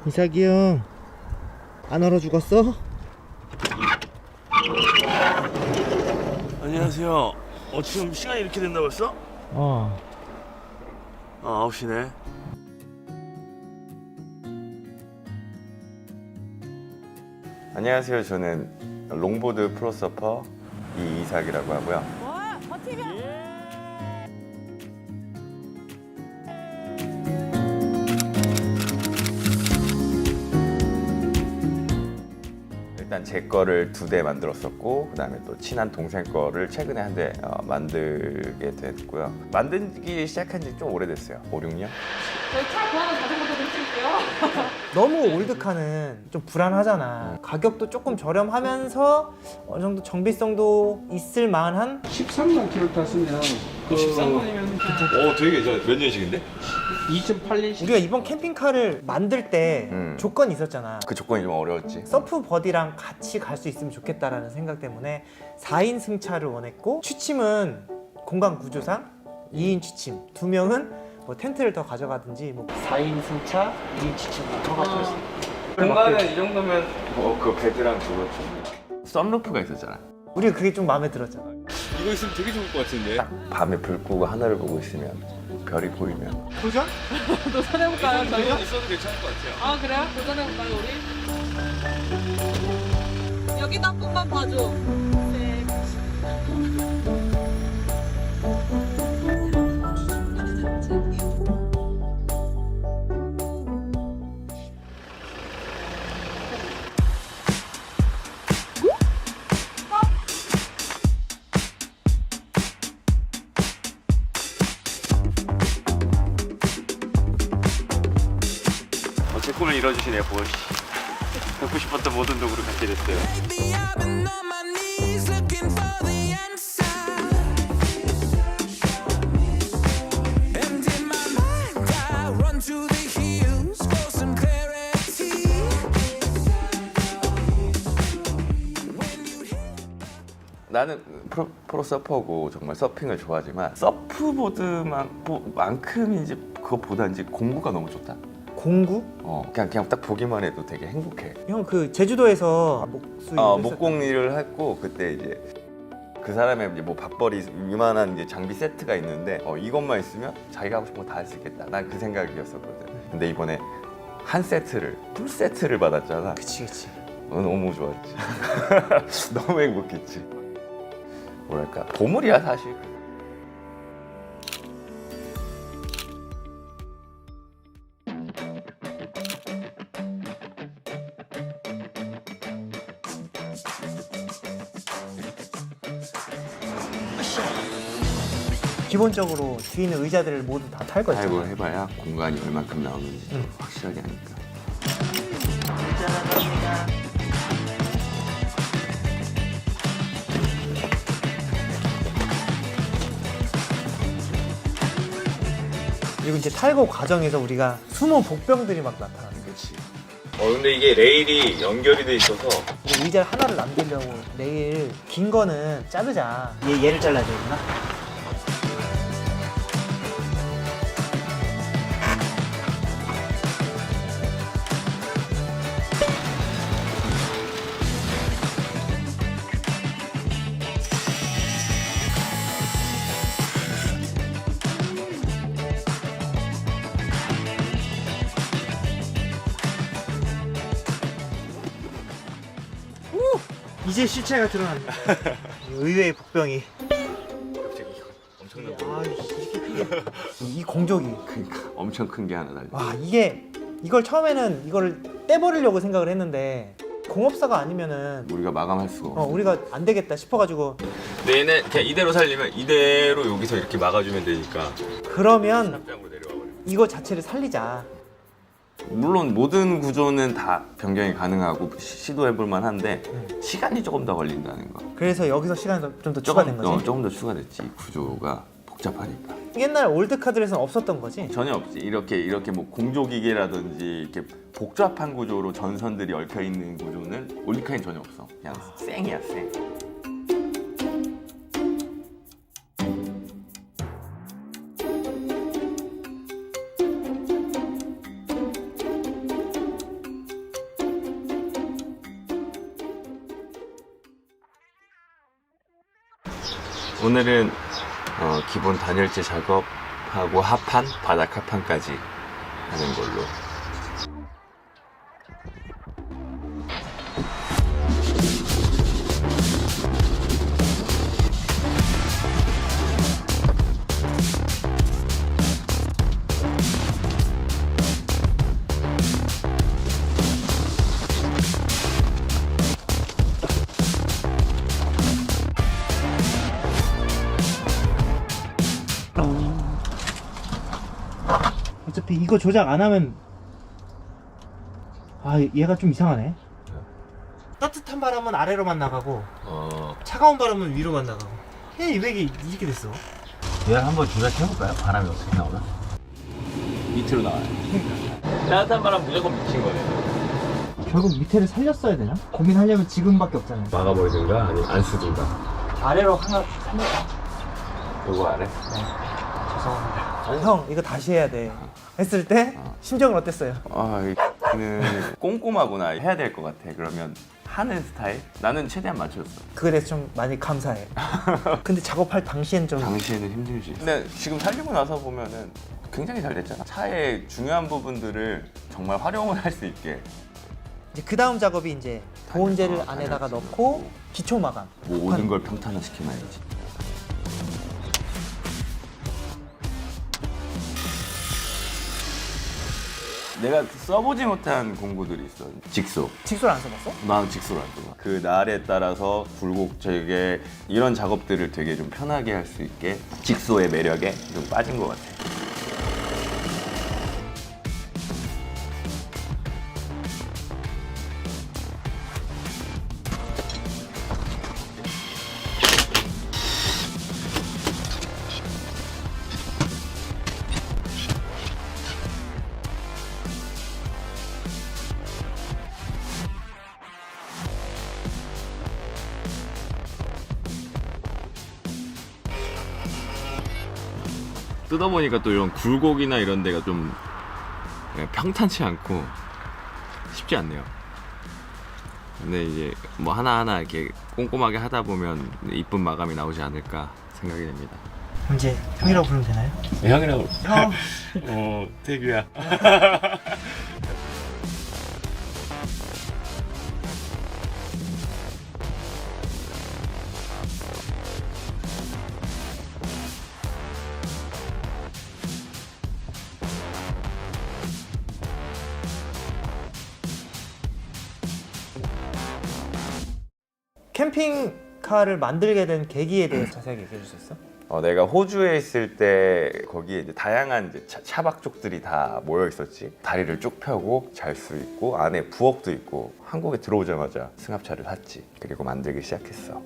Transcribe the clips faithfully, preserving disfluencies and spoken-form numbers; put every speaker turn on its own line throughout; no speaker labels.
이삭이 형, 안 얼어 죽었어?
안녕하세요. 어, 지금 시간이 이렇게 됐나 벌써?
어.
아, 아홉 시네.
안녕하세요. 저는 롱보드 프로서퍼 이이삭이라고 하고요.
와, 버티면.
일단 제 거를 두 대 만들었었고, 그다음에 또 친한 동생 거를 최근에 한 대 어, 만들게 됐고요. 만들기 시작한 지 좀 오래됐어요. 오, 육 년?
저희 차 구하는 자전거도 드릴게요.
너무 올드카는 좀 불안하잖아. 가격도 조금 저렴하면서 어느 정도 정비성도 있을 만한.
십삼만 킬로 탔으면 그 십삼만이면
오, 되게 예전 몇 년식인데?
이천팔 년식.
우리가 이번 캠핑카를 만들 때
음.
조건이 있었잖아.
그 조건이 좀 어려웠지.
서프 버디랑 같이 갈 수 있으면 좋겠다라는 생각 때문에 사 인 승차를 원했고, 취침은 공간 구조상 이 인 취침, 두 명은 뭐 텐트를 더 가져가든지 뭐 사 인 승차, 이 인 취침 허가했어.
공간은 이 정도면 뭐 그 베드랑 그거 좀 썬루프가 있었잖아.
우리가 그게 좀 마음에 들었잖아.
이거 있으면 되게 좋을 것 같은데?
밤에 불 끄고 하늘을 보고 있으면 별이 보이면
도전?
도전해볼까요, 저희가?
있어도 괜찮을 것 같아요.
아, 그래요? 도전해볼까요, 우리? 여기도 한 번만 봐줘. 네.
어, 제 꿈을 이뤄주시네요, 보시. 갖고 싶었던 모든 도구를 갖게 됐어요.
Baby, I've been on my knees looking for the answer. And in my mind, I run to the hills for some clarity.
나는 프로, 프로 서퍼고 정말 서핑을 좋아하지만 서프보드만큼인지 그것보다인지 공구가 너무 좋다.
공구?
어, 그냥 그냥 딱 보기만 해도 되게 행복해.
형 그 제주도에서 목수일
어, 목공일을 했고 그때 이제 그 사람의 이제 뭐 밥벌이 이만한 이제 장비 세트가 있는데 어, 이것만 있으면 자기가 하고 싶은 거 다 할 수 있겠다. 난 그 생각이었었거든. 근데 이번에 한 세트를 풀 세트를 받았잖아.
그치 그치.
어, 너무 좋았지. 너무 행복했지. 뭐랄까 보물이야 사실.
기본적으로 뒤에 있는 의자들을 모두 다 탈 거지.
타입을 해봐야 공간이 얼만큼 나오는지 좀 확실하게 하니까.
그리고 이제 탈거 과정에서 우리가 숨은 복병들이 막 나타나.
그렇지.
어, 근데 이게 레일이 연결이 돼 있어서
우리 의자 하나를 남기려고 내일 긴 거는 자르자. 얘 얘를 잘라야 되구나. 이제 실체가 드러난다. 의외의 복병이.
갑자기 엄청난
아, 이렇게 크게. 이 공조기.
그러니까 엄청 큰 게 하나 달려.
와, 이게 이걸 처음에는 이걸 떼버리려고 생각을 했는데 공업사가 아니면은
우리가 마감할 수가 없어.
어, 우리가 안 되겠다 싶어가지고.
근데 얘네 그냥 이대로 살리면 이대로 여기서 이렇게 막아주면 되니까
그러면
납작으로 내려와 버려.
이거 자체를 살리자.
물론 모든 구조는 다 변경이 가능하고 시- 시도해볼 만한데 시간이 조금 더 걸린다는 거.
그래서 여기서 시간이 좀 더 추가된
조금,
거지.
어, 조금 더 추가됐지. 이 구조가 복잡하니까.
옛날 올드카들에서는 없었던 거지.
전혀 없지. 이렇게 이렇게 뭐 공조기계라든지 이렇게 복잡한 구조로 전선들이 얽혀 있는 구조는 올리카엔 전혀 없어. 그냥 쌩이야 쌩.
오늘은 어, 기본 단열재 작업하고 합판, 바닥 합판까지 하는 걸로.
어차피 이거 조작 안 하면 아 얘가 좀 이상하네. 따뜻한 바람은 아래로만 나가고
어,
차가운 바람은 위로만 나가고 얘 왜 이렇게 됐어?
얘를 한번 조작해볼까요? 바람이 어떻게 나오나? 밑으로 나와요. 따뜻한 바람 무조건 미친 거예요.
결국 밑에를 살렸어야 되나? 고민하려면 지금밖에 없잖아요.
막아버리든가 아니면 안 쓰든가.
아래로 하나 살렸다.
요거 안 해?
죄송합니다. 형 이거 다시 해야 돼 했을 때 심정은 어땠어요?
아, 이는 꼼꼼하구나. 해야 될 것 같아. 그러면 하는 스타일? 나는 최대한 맞췄어.
그에 대해서 좀 많이 감사해. 근데 작업할 당시엔 좀
당시에는 힘들지. 근데 지금 살리고 나서 보면은 굉장히 잘 됐잖아. 차의 중요한 부분들을 정말 활용을 할 수 있게.
이제 그 다음 작업이 이제 보온재를
어,
안에다가
당연하지.
넣고 기초 마감.
뭐 모든 걸 평탄화 시켜놔야지. 내가 써보지 못한 공구들이 있어. 직소.
직소를 안 써봤어?
난 직소를 안 써봐. 그 날에 따라서 굴곡적에 이런 작업들을 되게 좀 편하게 할 수 있게 직소의 매력에 좀 빠진 것 같아.
뜯어보니까 또 이런 굴곡이나 이런 데가 좀 그냥 평탄치 않고 쉽지 않네요. 근데 이제 뭐 하나하나 이렇게 꼼꼼하게 하다 보면 이쁜 마감이 나오지 않을까 생각이 됩니다.
이제 형이라고 부르면 되나요?
형이라고.
형!
어, 태규야.
캠핑카를 만들게 된 계기에 대해서 자세하게 얘기해 줄 수 있어?
어, 내가 호주에 있을 때 거기에 이제 다양한 이제 차, 차박족들이 다 모여 있었지. 다리를 쭉 펴고 잘 수 있고 안에 부엌도 있고. 한국에 들어오자마자 승합차를 샀지. 그리고 만들기 시작했어.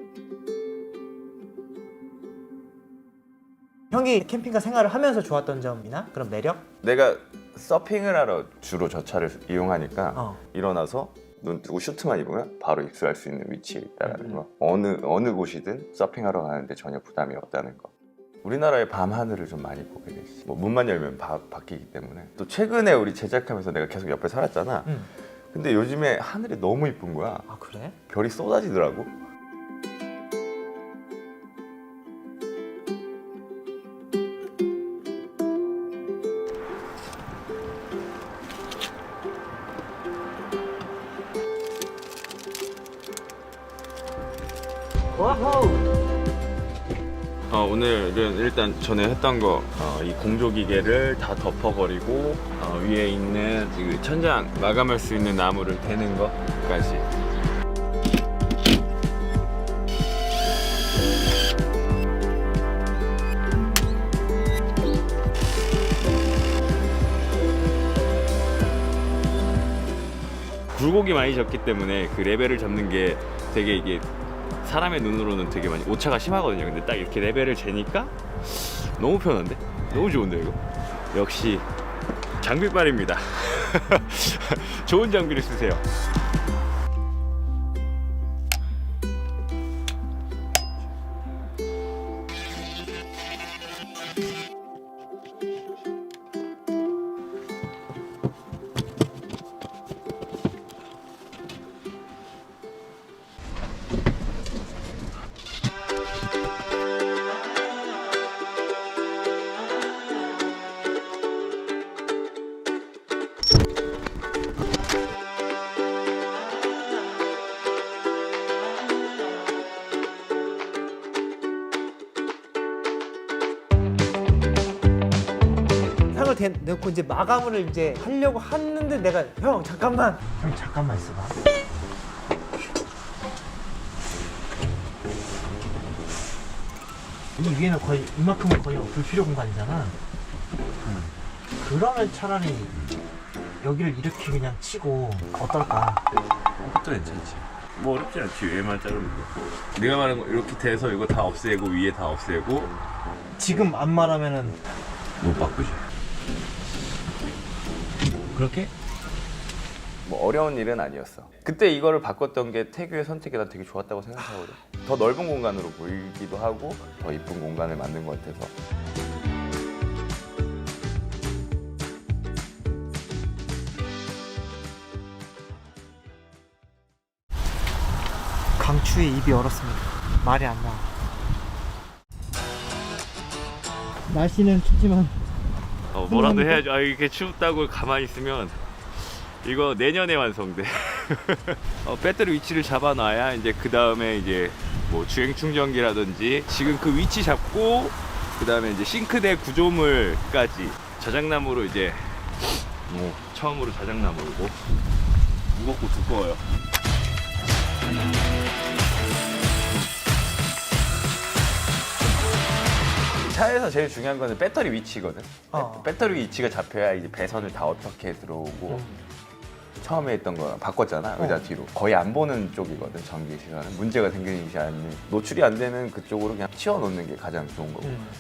형이 캠핑카 생활을 하면서 좋았던 점이나 그런 매력?
내가 서핑을 하러 주로 저 차를 이용하니까
어.
일어나서 눈 뜨고 슈트만 입으면 바로 입수할 수 있는 위치에 있다라는 거. 어느 어느 곳이든 서핑하러 가는데 전혀 부담이 없다는 거. 우리나라의 밤 하늘을 좀 많이 보게 됐지. 뭐 문만 열면 바, 바뀌기 때문에. 또 최근에 우리 제작하면서 내가 계속 옆에 살았잖아.
응.
근데 요즘에 하늘이 너무 이쁜 거야.
아 그래?
별이 쏟아지더라고.
어, 오늘은 일단 전에 했던 거, 어, 이 공조기계를 다 덮어버리고 어, 위에 있는 그 천장 마감할 수 있는 나무를 대는 거까지. 굴곡이 많이 졌기 때문에 그 레벨을 잡는 게 되게 이게 사람의 눈으로는 되게 많이 오차가 심하거든요. 근데 딱 이렇게 레벨을 재니까 너무 편한데? 너무 좋은데 이거? 역시 장비빨입니다. 좋은 장비를 쓰세요.
고정을 대, 넣고 이제 마감을 이제 하려고 하는데 내가 형 잠깐만 형 잠깐만 있어봐. 이 위에는 거의 이만큼은 거의 불필요 공간이잖아. 음. 그러면 차라리 여기를 이렇게 그냥 치고 어떨까?
그것도 괜찮지. 뭐 어렵지 않지. 위에만 자르면 돼. 내가 말한 거 이렇게 돼서 이거 다 없애고 위에 다 없애고
지금 안 말하면은
못 바꾸지.
그렇게?
뭐 어려운 일은 아니었어. 그때 이거를 바꿨던 게 태규의 선택이 난 되게 좋았다고 생각하거든. 더 넓은 공간으로 보이기도 하고 더 이쁜 공간을 만든 것 같아서.
강추에 입이 얼었습니다. 말이 안 나와. 날씨는 춥지만
어, 뭐라도 해야죠. 아, 이렇게 춥다고 가만히 있으면 이거 내년에 완성돼. 어, 배터리 위치를 잡아놔야 이제 그 다음에 이제 뭐 주행 충전기라든지 지금 그 위치 잡고 그 다음에 이제 싱크대 구조물까지 자작나무로 이제 뭐 처음으로 자작나무고 무겁고 두꺼워요.
차에서 제일 중요한 거는 배터리 위치거든.
어.
배터리 위치가 잡혀야 이제 배선을 다 어떻게 들어오고 처음에 했던 거 바꿨잖아. 의자 뒤로 거의 안 보는 쪽이거든. 전기 시간은 문제가 생기지 않는 노출이 안 되는 그쪽으로 그냥 치워놓는 게 가장 좋은 거고.
음.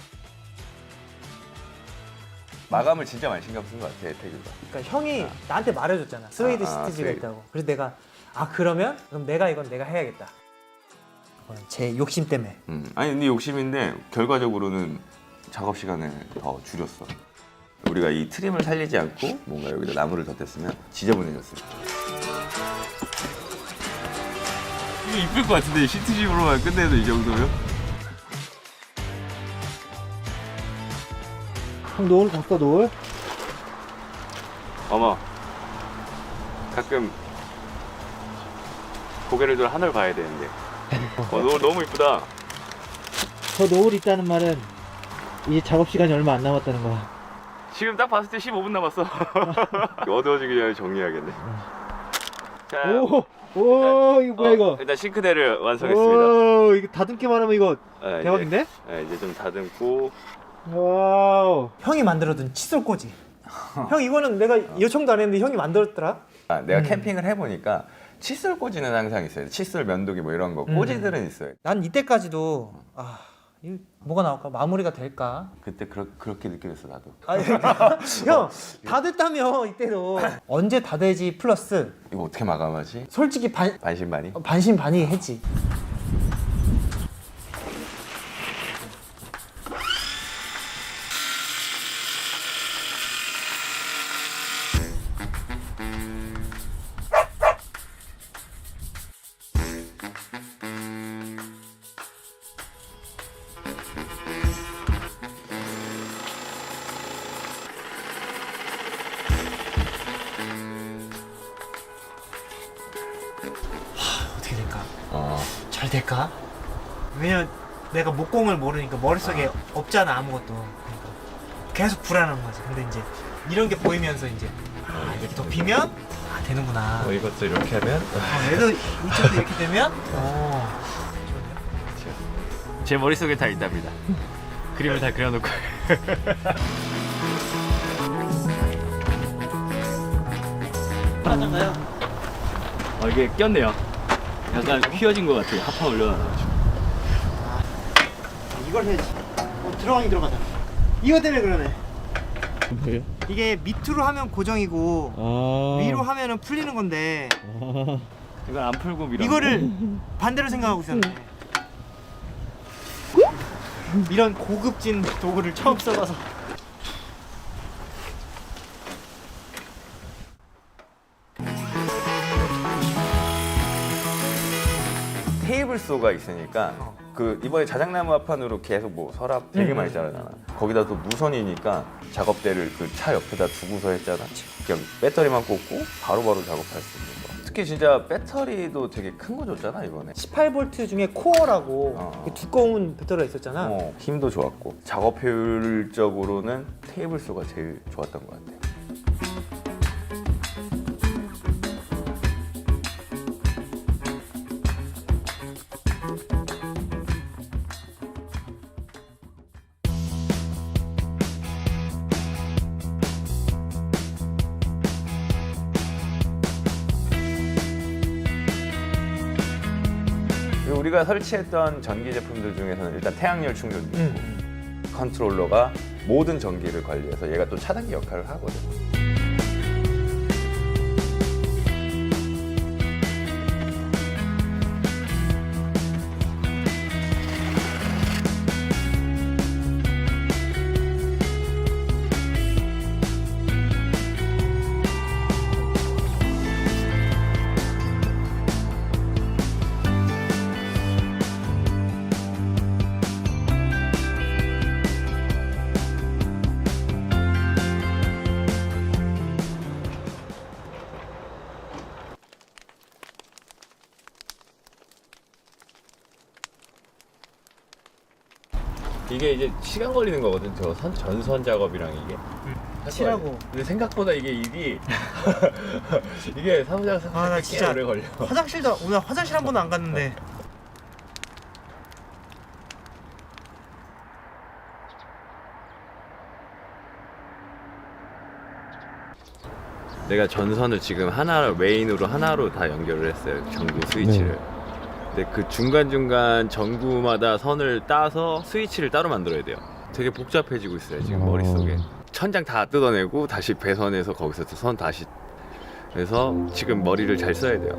마감을 진짜 많이 신경 쓴 것 같아 태규가.
그러니까 형이 나한테 말해줬잖아. 스웨이드
아, 아,
시트지가
스웨이드.
있다고. 그래서 내가 아 그러면 그럼 내가 이건 내가 해야겠다. 그건 제 욕심 때문에.
음. 아니 근데 욕심인데 결과적으로는 작업 시간을 더 줄였어. 우리가 이 트림을 살리지 않고 뭔가 여기다 나무를 덧댔으면 지저분해졌을 거야.
이거 이쁠 것 같은데 시트집으로만 끝내도 이 정도면?
형 노을 봤어 노을?
어머 가끔 고개를 들어 하늘 봐야 되는데 어, 노을 너무 이쁘다.
저 노을 있다는 말은 이제 작업 시간이 얼마 안 남았다는 거야.
지금 딱 봤을 때 십오 분 남았어. 어두워지기 전에 정리해야겠네. 자,
오, 오 이거 뭐야
어,
이거?
일단 싱크대를 완성했습니다.
오 이거 다듬기만 하면 이거
아, 이제,
대박인데?
아, 이제 좀 다듬고.
와우. 형이 만들어둔 칫솔 꽂이. 형 이거는 내가 요청도 안 했는데 형이 만들었더라.
아, 내가
음.
캠핑을 해보니까 칫솔 꽂이는 항상 있어요. 칫솔 면도기 뭐 이런 거
음.
꽂이들은 있어요.
난 이때까지도 아 이거 뭐가 나올까 마무리가 될까?
그때 그렇, 그렇게 느껴졌어 나도.
아니 형 다 됐다며 이때도 언제 다 되지 플러스
이거 어떻게 마감하지?
솔직히 반
반신반의?
반신반의했지. 어떻게 될까?
어.
잘 될까? 왜냐면 내가 목공을 모르니까 머릿속에 없잖아 아무것도. 그러니까 계속 불안한 거지. 근데 이제 이런 게 보이면서 이제 아 이렇게 덮이면 아 되는구나.
어, 이것도 이렇게 하면
어, 얘도 이쪽도 이렇게 되면 어
제 머릿속에 다 있답니다. 그림을 다 그려놓고.
맞아요.
어, 이게 꼈네요. 약간 휘어진 것 같아요. 합판 올려놔가지고.
이걸 해야지. 어, 들어가긴 들어가자. 이거 때문에 그러네.
뭐예요?
이게 밑으로 하면 고정이고
아.
위로 하면은 풀리는 건데
이걸 안 풀고 밀어.
이거를 반대로 생각하고 있었네. 이런 고급진 도구를 처음 써봐서.
테이블 소가 있으니까
어.
그 이번에 자작나무 합판으로 계속 뭐 서랍 되게
음.
많이 자르잖아. 거기다 또 무선이니까 작업대를 그 차 옆에다 두고서 했잖아. 그냥 배터리만 꽂고 바로바로 작업할 수 있는 거. 특히 진짜 배터리도 되게 큰 거 줬잖아 이번에.
십팔 볼트 중에 코어라고
어.
그 두꺼운 배터리가 있었잖아.
어, 힘도 좋았고 작업 효율적으로는 테이블 수가 제일 좋았던 것 같아. 그리고 우리가 설치했던 전기 제품들 중에서는 일단 태양열 충전도 있고
음.
컨트롤러가 모든 전기를 관리해서 얘가 또 차단기 역할을 하거든.
이게 이제 시간 걸리는 거거든. 저 선, 전선 작업이랑 이게.
칠하고.
근데 생각보다 이게 일이 이게 사무장
아, 나
꽤
진짜
오래 걸려.
화장실도 오늘 화장실 한 번도 안 갔는데.
내가 전선을 지금 하나 메인으로 하나로 다 연결을 했어요. 전구 스위치를. 근데 그 중간중간 전구마다 선을 따서 스위치를 따로 만들어야 돼요. 되게 복잡해지고 있어요 지금 머릿속에. 천장 다 뜯어내고 다시 배선해서 거기서 또 선 다시 그래서 지금 머리를 잘 써야 돼요.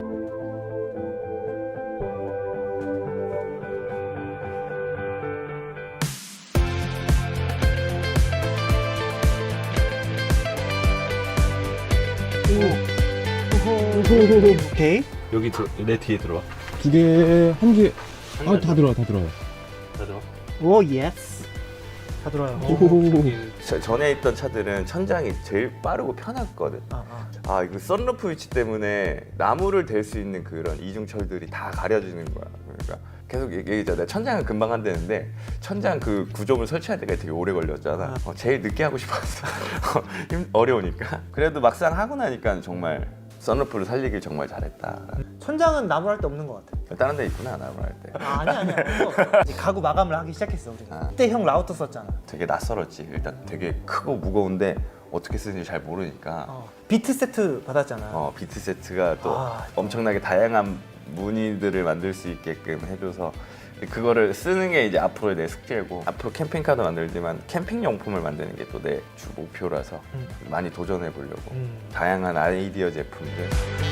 오케이.
여기 들, 내 뒤에 들어와.
두 개, 한 개. 아, 다 들어와, 다 들어와.
다 들어와.
오 예스. 다 들어요.
저- 전에 있던 차들은 천장이 제일 빠르고 편했거든.
아, 아.
아 이거 썬루프 위치 때문에 나무를 댈 수 있는 그런 이중철들이 다 가려지는 거야. 그러니까 계속 얘기했잖아. 천장은 금방 한다는데 천장 그 구조물 설치할 때가 되게 오래 걸렸잖아. 어, 제일 늦게 하고 싶었어. 힘- 어려우니까. 그래도 막상 하고 나니까 정말 썬루프를 살리길 정말 잘했다.
천장은 나무 할 데 없는 것 같아.
다른 데 있구나 나무 할 때.
아, 아니야 아니야. 없어. 이제 가구 마감을 하기 시작했어 우리.
아.
그때 형 라우터 썼잖아.
되게 낯설었지. 일단 되게 크고 무거운데 어떻게 쓰는지 잘 모르니까.
어. 비트 세트 받았잖아.
어, 비트 세트가 또
아.
엄청나게 다양한 무늬들을 만들 수 있게끔 해줘서 그거를 쓰는 게 이제 앞으로의 내 숙제고 앞으로 캠핑카도 만들지만 캠핑 용품을 만드는 게 또 내 주 목표라서
음.
많이 도전해 보려고
음.
다양한 아이디어 제품들.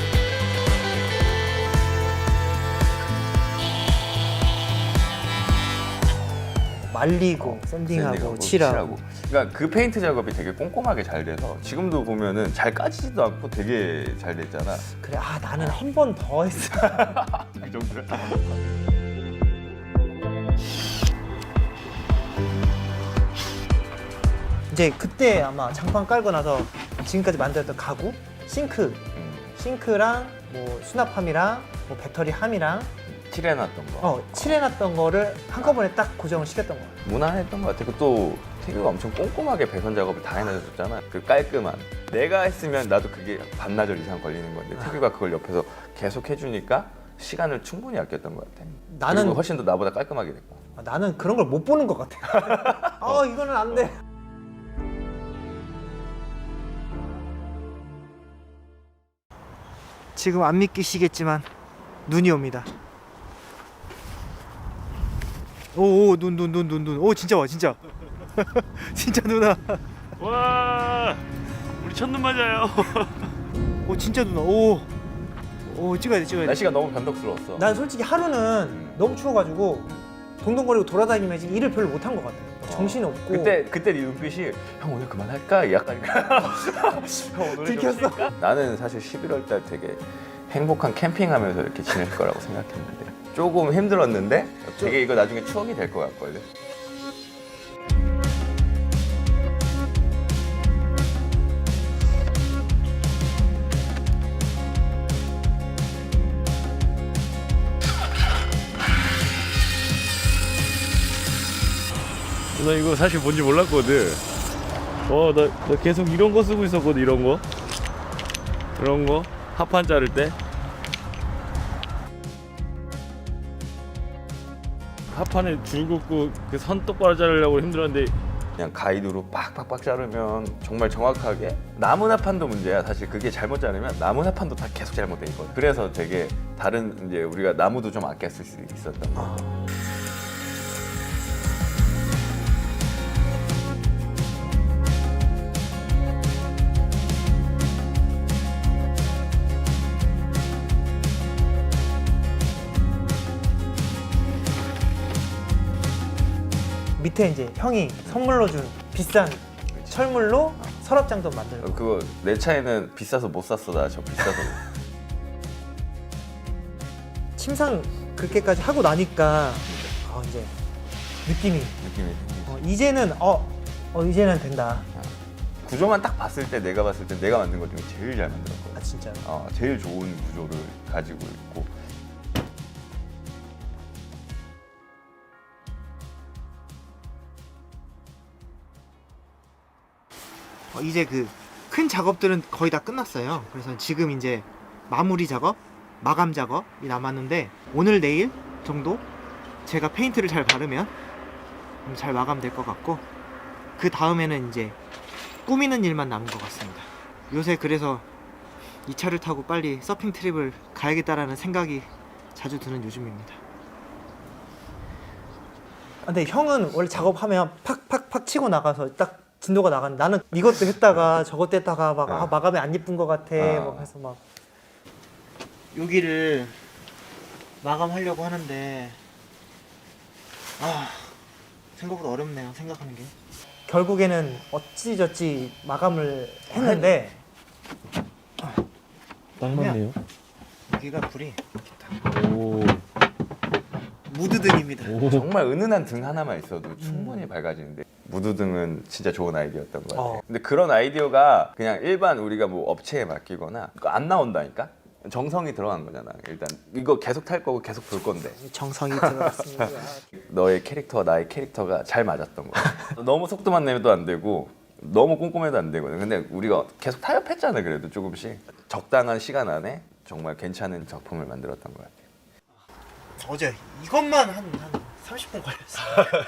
말리고 샌딩하고,
샌딩하고
칠하고.
그러니까 그 페인트 작업이 되게 꼼꼼하게 잘 돼서 지금도 보면은 잘 까지지도 않고 되게 잘 됐잖아.
그래 아 나는 한 번 더 했어.
그 정도야.
이제 그때 아마 장판 깔고 나서 지금까지 만들었던 가구, 싱크,
음,
싱크랑 뭐 수납함이랑 뭐 배터리 함이랑
칠해놨던 거.
어 칠해놨던 거를 한꺼번에 딱 고정을 시켰던 거야.
무난했던 것 같아. 또 태규가 엄청 꼼꼼하게 배선 작업을 다 해놔줬잖아. 그 깔끔한. 내가 했으면 나도 그게 반나절 이상 걸리는 건데 태규가 그걸 옆에서 계속 해주니까 시간을 충분히 아꼈던 것 같아.
나는
그리고 훨씬 더 나보다 깔끔하게 됐고.
아, 나는 그런 걸 못 보는 것 같아. 아 이거는 안 돼. 지금 안 믿기시겠지만 눈이 옵니다. 오오 눈 눈 눈 눈 눈. 오 진짜 와 진짜. 진짜 누나.
와, 우리 첫눈 맞아요.
오 진짜 누나. 오. 오 찍어야 돼 찍어야 돼.
날씨가 너무 변덕스러웠어.
난 솔직히 하루는 너무 추워가지고 동동거리고 돌아다니면서 일을 별로 못한 것 같아. 정신이 없고.
그때 그때 네 눈빛이 형 오늘 그만할까? 약간 형 오늘
들켰어?
나는 사실 십일월 달 되게 행복한 캠핑하면서 이렇게 지낼 거라고 생각했는데 조금 힘들었는데 되게 이거 나중에 추억이 될 것 같거든.
나 이거 사실 뭔지 몰랐거든. 어, 나, 나 계속 이런 거 쓰고 있었거든. 이런 거. 이런 거. 합판 자를 때. 합판에 줄 긋고 그 선 똑바로 자르려고 힘들었는데
그냥 가이드로 빡빡빡 자르면 정말 정확하게 나무 나판도 문제야. 사실 그게 잘못 자르면 나무 나판도 다 계속 잘못돼 있거든. 그래서 되게 다른 이제 우리가 나무도 좀 아껴 쓸 수 있었던 거.
밑에 이제 형이 선물로 준 비싼 철물로 서랍장도 만들고.
어, 그거 내 차에는 비싸서 못 샀어. 나 저 비싸서.
침상 그렇게까지 하고 나니까 어, 이제 느낌이
느낌이 생기지.
어, 이제는 어, 어 이제는 된다.
구조만 딱 봤을 때 내가 봤을 때 내가 만든 것 중에 제일 잘 만들었거든.
아 진짜.
어, 제일 좋은 구조를 가지고 있고.
어, 이제 그 큰 작업들은 거의 다 끝났어요. 그래서 지금 이제 마무리 작업, 마감 작업이 남았는데 오늘 내일 정도 제가 페인트를 잘 바르면 잘 마감될 것 같고 그 다음에는 이제 꾸미는 일만 남은 것 같습니다. 요새 그래서 이 차를 타고 빨리 서핑 트립을 가야겠다라는 생각이 자주 드는 요즘입니다. 아, 근데 형은 원래 작업하면 팍팍팍 치고 나가서 딱 진도가 나가는데 나는 이것도 했다가 저것도 했다가 막 아, 마감이 안 예쁜 것 같아
어.
막 해서 막 여기를 마감하려고 하는데 아 생각보다 어렵네요. 생각하는 게 결국에는 어찌저찌 마감을 했는데
딱 맞네요.
여기가 불이
오.
무드등입니다.
오.
정말 은은한 등 하나만 있어도 충분히 밝아지는데 무드등은 진짜 좋은 아이디어였던 것 같아요.
어.
근데 그런 아이디어가 그냥 일반 우리가 뭐 업체에 맡기거나 그거 안 나온다니까? 정성이 들어간 거잖아. 일단 이거 계속 탈 거고 계속 볼 건데
정성이 들어갔습니다.
너의 캐릭터와 나의 캐릭터가 잘 맞았던 거야. 너무 속도만 내도 안 되고 너무 꼼꼼해도 안 되거든. 근데 우리가 계속 타협했잖아. 그래도 조금씩 적당한 시간 안에 정말 괜찮은 작품을 만들었던 것 같아요.
어제 이것만 한, 한 삼십 분 걸렸어요.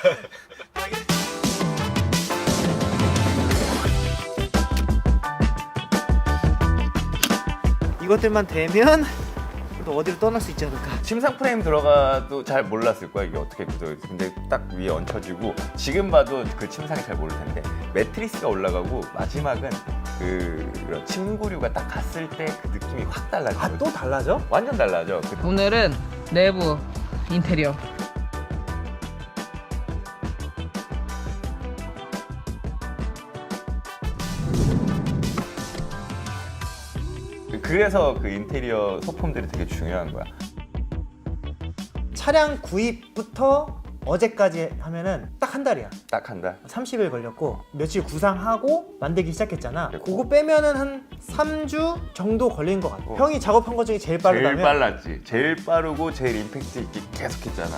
이것들만 되면 또 어디로 떠날 수 있지 않을까.
침상 프레임 들어가도 잘 몰랐을 거야. 이게 어떻게 구조가. 근데 딱 위에 얹혀지고 지금 봐도 그 침상이 잘 모를 텐데 매트리스가 올라가고 마지막은 그 이런 침구류가 딱 갔을 때 그 느낌이 확 달라져.
아 또 달라져?
완전 달라져. 그
오늘은 내부 인테리어.
그래서 그 인테리어 소품들이 되게 중요한 거야.
차량 구입부터 어제까지 하면은 딱 한 달이야.
딱 한 달.
삼십 일 걸렸고 며칠 구상하고 만들기 시작했잖아.
그랬고.
그거 빼면은 한 삼 주 정도 걸린 것 같아.
어.
형이 작업한 것 중에 제일 빠르다면?
제일 빨랐지. 제일 빠르고 제일 임팩트 있게 계속 했잖아.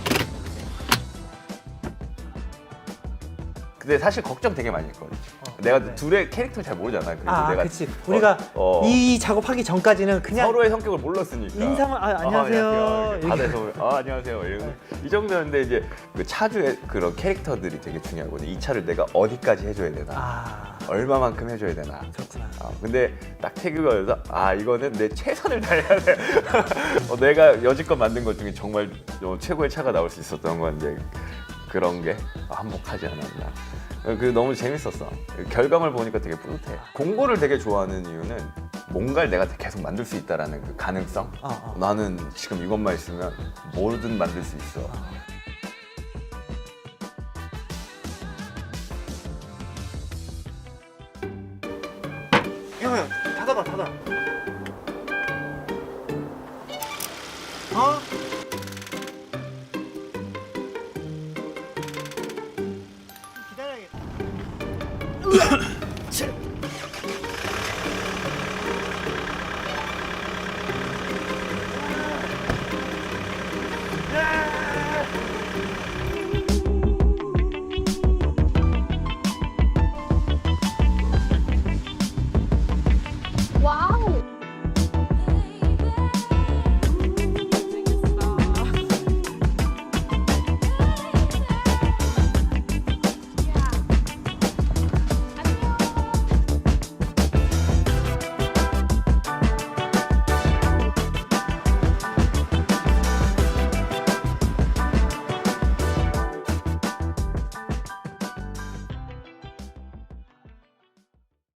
근데 사실 걱정 되게 많이 했거든.
어,
내가
네.
둘의 캐릭터를 잘 모르잖아. 그래서
아,
내가
그치. 우리가
어, 어.
이 작업하기 전까지는 그냥
서로의 성격을 몰랐으니까.
인사만, 아, 안녕하세요.
이렇게 바다에서 아, 안녕하세요. 이러고 이 정도였는데 이제 그 차주의 그런 캐릭터들이 되게 중요하거든. 이 차를 내가 어디까지 해줘야 되나,
아,
얼마만큼 해줘야 되나.
그렇구나.
어, 근데 딱 태그가 와서 아 이거는 내 최선을 다해야 돼. 어, 내가 여지껏 만든 것 중에 정말 어, 최고의 차가 나올 수 있었던 건데 그런 게 한몫하지 않았나. 그 너무 재밌었어. 결과물 보니까 되게 뿌듯해. 공고를 되게 좋아하는 이유는 뭔가를 내가 계속 만들 수 있다라는 그 가능성.
어, 어.
나는 지금 이것만 있으면 뭐든 만들 수 있어.
야, 야, 닫아봐, 닫아. 어? 기다려야겠다.